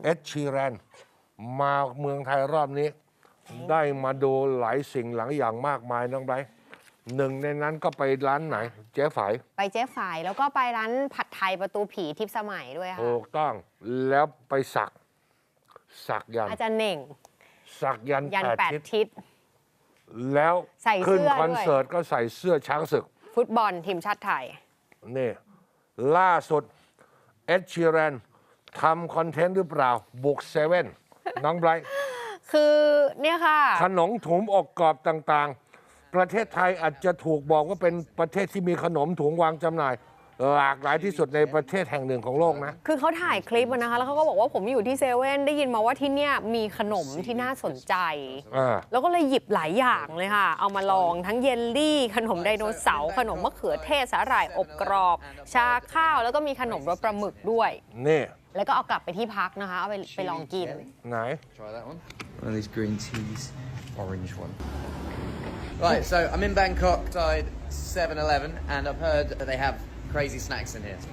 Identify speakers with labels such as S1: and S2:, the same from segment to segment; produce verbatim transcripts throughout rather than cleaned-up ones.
S1: เอ็ดชีแรนมาเมืองไทยรอบนี้ ได้มาดูหลายสิ่งหลายอย่างมากมายน้องไบรท์หนึ่งในนั้นก็ไปร้านไหน เจ๊ฝาย
S2: ไปเจ๊ฝายแล้วก็ไปร้านผัดไทยประตูผีทิพย์สมัยด้วยค่ะ
S1: ถูกต้องแล้วไปสักสักยัน
S2: อาจารย์เหน่ง
S1: สักยัน
S2: ยัน
S1: แป
S2: แป
S1: ด
S2: ด
S1: ทิศ
S2: ทิศ
S1: แล้ว
S2: ใส่เสื้
S1: ขึ้น
S2: อ
S1: คอน
S2: ด้วย
S1: เสิร์ตก็ใส่เสื้อช้างศึก
S2: ฟุตบอลทีมชาติไทย
S1: นี่ล่าสุดเอ็ดชีแรนทำคอนเทนต์หรือเปล่า บุกเซเว่นน้องไบรท์
S2: คือเนี่ยค่ะ
S1: ขนมถุงอกกรอบต่างๆ ประเทศไทยอาจจะถูกบอกว่าเป็นประเทศที่มีขนมถุงวางจำหน่าย หลากหลายที่สุดในประเทศแห่งหนึ่งของโลกนะ
S2: คือเขาถ่ายคลิปอะนะคะแล้วเขาก็บอกว่าผมอยู่ที่เซเว่นได้ยินมาว่าที่เนี่ยมีขนมที่น่าสนใจ
S1: อ่า
S2: แล้วก็เลยหยิบหลายอย่างเลยค่ะ เอามาลองทั้งเยลลี่ ขนมไดโนเสาร์ขนมมะเขือเทศสาหร่ายอบกรอบ ชาข้าวแล้วก็มีขนมรสปลาหมึกด้วย
S1: นี่
S2: แล้วก็เอากลับไปที่พักนะคะ เอาไปไปลองกิน
S1: ไหน
S3: Try that one. One of these green teas, orange one. Right, so I'm in Bangkok, side seven eleven, and I've heard that they have crazy snacks in here.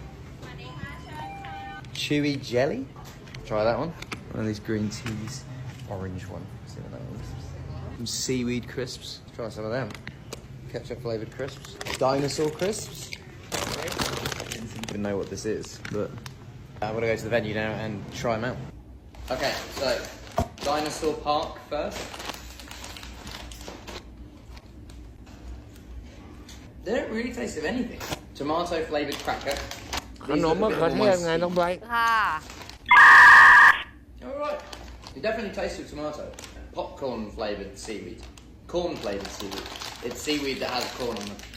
S3: Chewy jelly. Try that one. One of these green teas, orange one. See what that is. Some seaweed crisps. Try some of them. Ketchup flavored crisps. Dinosaur crisps. I don't even know what this is, but I'm gonna go to the venue now and try them out. Okay, so Dinosaur Park first. They don't really taste of anything. Tomato flavored cracker.
S1: ขนมมะเขือเทศไงน้องไบรท์
S2: ค่ะ
S3: All right. It definitely tastes of tomato. Popcorn flavored seaweed. Corn flavored seaweed. It's seaweed that has corn on it.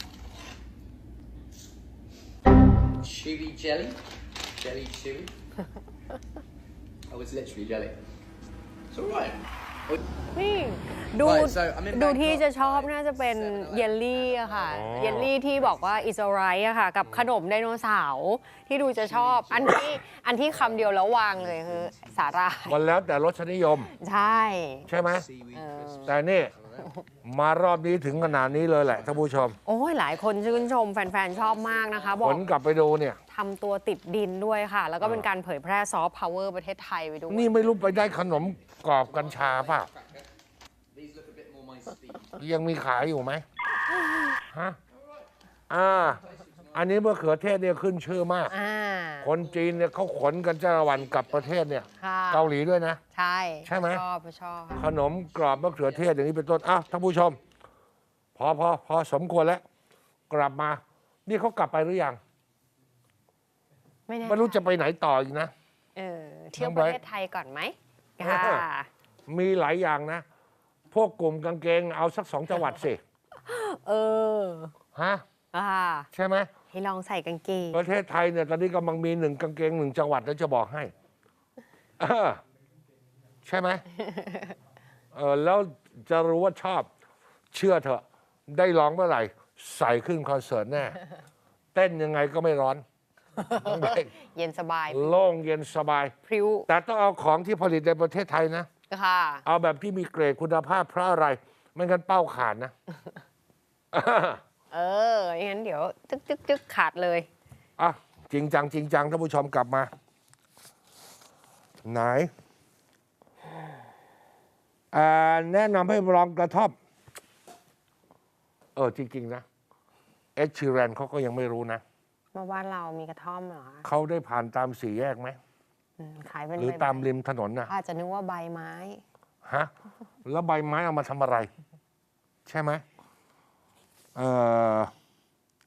S3: Chewy jelly. Jelly chewy. Oh, it's literally jelly. It's all right.
S2: นี่ดู
S3: Right, so I'm in
S2: ดู
S3: Bangkok
S2: ที่จะชอบน่าจะเป็นเยลลี่อะค่ะ เยลลี่ที่บอกว่า is alright อะค่ะ กับขนมไดโนเสาร์ที่ดูจะชอบ อันที่อันที่คำเดียวแล้ววางเลยคือสาหร่าย
S1: มันแล้วแต่รสนิยม
S2: ใช่
S1: ใช่ไหม
S3: Seaweed crisps.
S1: แต่นี่ มารอบนี้ถึงขนาดนี้เลยแหละท่านผู้ชม
S2: โอ้ยหลายคนชื่นชมแฟนๆ ชอบมากนะคะ บอ
S1: ผ
S2: ก
S1: ลกลับไปดูเนี่ย
S2: ทำตัวติดดินด้วยค่ะ แล้วก็เป็นการเผยแพร่ซอฟต์พาวเวอร์ประเทศไทยไปด้วย
S1: นี่ไม่รู้ไปได้ขนมกรอบกัญชาเปล่า
S3: These look a bit more my speed.
S1: ยังมีขายอยู่ไหมฮะอ่า อันนี้มะเขือเทศเนี่ยขึ้นชื่อมาก
S2: อ่า
S1: คนจีนเนี่ยเขาขนกันจ้าละวันกลับประเทศเนี่ย
S2: ค่ะ
S1: เกาหลีด้วยนะ
S2: ใช่
S1: ใช่ไหม
S2: ชอบชอบค่ะ
S1: ขนมกรอบมะเขือเทศอย่างนี้เป็นต้นอ้าวท่านผู้ชม พอพอพอสมควรแล้ว กลับมา นี่เขากลับไปหรือยัง
S2: ไม่แน่
S1: ไม่รู้จะไปไหนต่ออีกนะ
S2: เออเที่ยว
S1: น้อง
S2: ป
S1: ไบร
S2: ระ
S1: ท์
S2: เทศไทยก่อนไหมค่ะ
S1: มีหลายอย่างนะ พวกกลุ่มกางเกงเอาสักสองจังหวัดสิ
S2: เออ
S1: ฮะ
S2: อ่า
S1: ใช่ไหม
S2: ให้ลองใส่กางเกง
S1: ประเทศไทยเนี่ยตอนนี้กำลังมีหนึ่งกางเกงหนึ่งจังหวัดแล้วจะบอกให้เออใช่ไหมเออแล้วจะรู้ว่าชอบ เชื่อเถอะ ได้ร้องเมื่อไหร่ ใส่ขึ้นคอนเสิร์ตแน่ เต้นยังไงก็ไม่ร้อนต้องไป
S2: เย็นสบาย
S1: โล่งเย็นสบาย
S2: พริ้ว
S1: แต่ต้องเอาของที่ผลิตในประเทศไทยนะ
S2: ค่ะ
S1: เอาแบบที่มีเกรดคุณภาพเพราะอะไร ไม่งั้นเป้าขาดนะ
S2: เอองั้นเดี๋ยวจึ๊กจึ๊กจึ๊กขาดเลย
S1: อ่ะจริงจังจริงจังท่านผู้ชมกลับมา ไหนอ่าแนะนำให้ลองกระท่อมเออจริง ๆ นะเอ็ดชีแรนเขาก็ยังไม่รู้นะ
S2: มาบ้านเรามีกระท่อมเหรอคะ
S1: เขาได้ผ่านตามสี่แยกไหม
S2: อืมขายเป็น
S1: หรือ
S2: ใบไ
S1: ตามริมถนนนะ
S2: อาจจะนึกว่าใบไม้
S1: ฮะ แล้วใบไม้เอามาทำอะไร ใช่ไหมเออ